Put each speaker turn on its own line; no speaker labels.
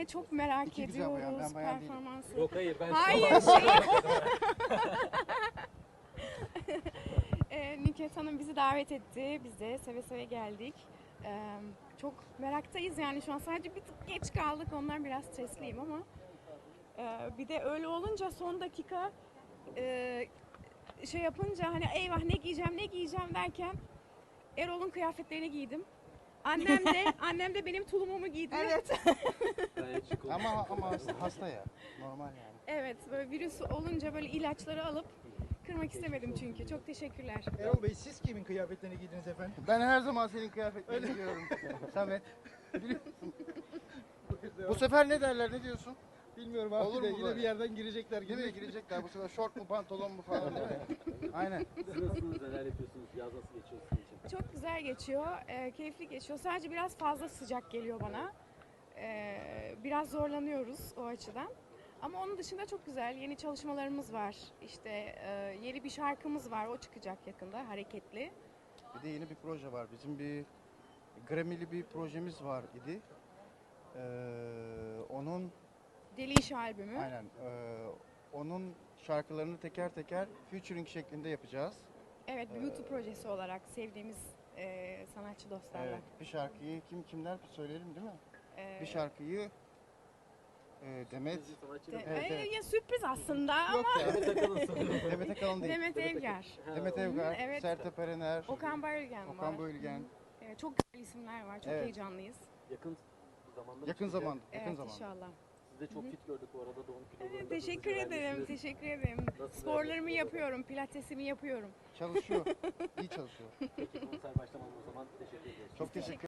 de çok merak
İki güzel bayan,
ediyoruz
ben bayan değilim.
performansı.
Yok hayır ben
Hayır Nükhet Hanım bizi davet etti. Biz de seve seve geldik. Çok meraktayız yani şu an sadece bir tık geç kaldık. Ondan biraz stresliyim ama bir de öyle olunca son dakika şey yapınca hani eyvah ne giyeceğim derken Erol'un kıyafetlerini giydim. Annem de benim tulumumu giydi. Evet.
gayet şık oldu.
Ama hasta ya. Normal yani.
Evet, böyle virüs olunca böyle ilaçları alıp kırmak istemedim çünkü. Çok teşekkürler.
Erol Bey siz kimin kıyafetlerini giydiniz efendim?
Ben her zaman senin kıyafetlerini giyiyorum. Samet. Biliyor musun? Bu sefer ne derler, ne diyorsun?
Bilmiyorum abi
Olur
de
mu
yine
böyle?
bir yerden girecekler
Değil
gibi.
mi? Girecekler bu sefer şort mu pantolon mu falan değil mi? Aynen.
Siz nasılsınız, neler yapıyorsunuz, yaz nasıl geçiyor sizin için?
Çok güzel geçiyor, keyifli geçiyor. Sadece biraz fazla sıcak geliyor bana. Biraz zorlanıyoruz o açıdan. Ama onun dışında çok güzel. Yeni çalışmalarımız var. İşte yeni bir şarkımız var. O çıkacak yakında, hareketli.
Bir de yeni bir proje var. Bizim bir Grammy'li bir projemiz var idi. Onun
Deli İş albümü.
aynen onun şarkılarını teker teker featuring şeklinde yapacağız.
Evet, YouTube projesi olarak sevdiğimiz sanatçı dostlarla.
Evet, bir şarkıyı kimler söyleyelim değil mi?
E,
Bir şarkıyı Demet
Siz sanatçı
de-
mı?
Evet.
ya sürpriz aslında
yok
ama
ya.
Demet Akalın sanırım.
Demet Akalın değil.
Demet Evgar,
Ha,
Demet Evgar,
evet.
Sertab Erener,
Okan Bayülgen var.
Okan Bölgen.
Evet, çok güzel isimler var. Çok
Evet.
heyecanlıyız.
Yakın zamanda
Yakın
çıkacak.
zaman, yakın
Evet,
zaman.
inşallah.
Siz de çok fit gördük bu arada doğum kilolarında.
Evet, teşekkür ederim, teşekkür ederim.
Nasıl
Sporlarımı
yani?
yapıyorum, pilatesimi yapıyorum.
Çalışıyor, iyi çalışıyor.
Peki konser başlamadan o zaman teşekkür ediyoruz.
Çok teşekkür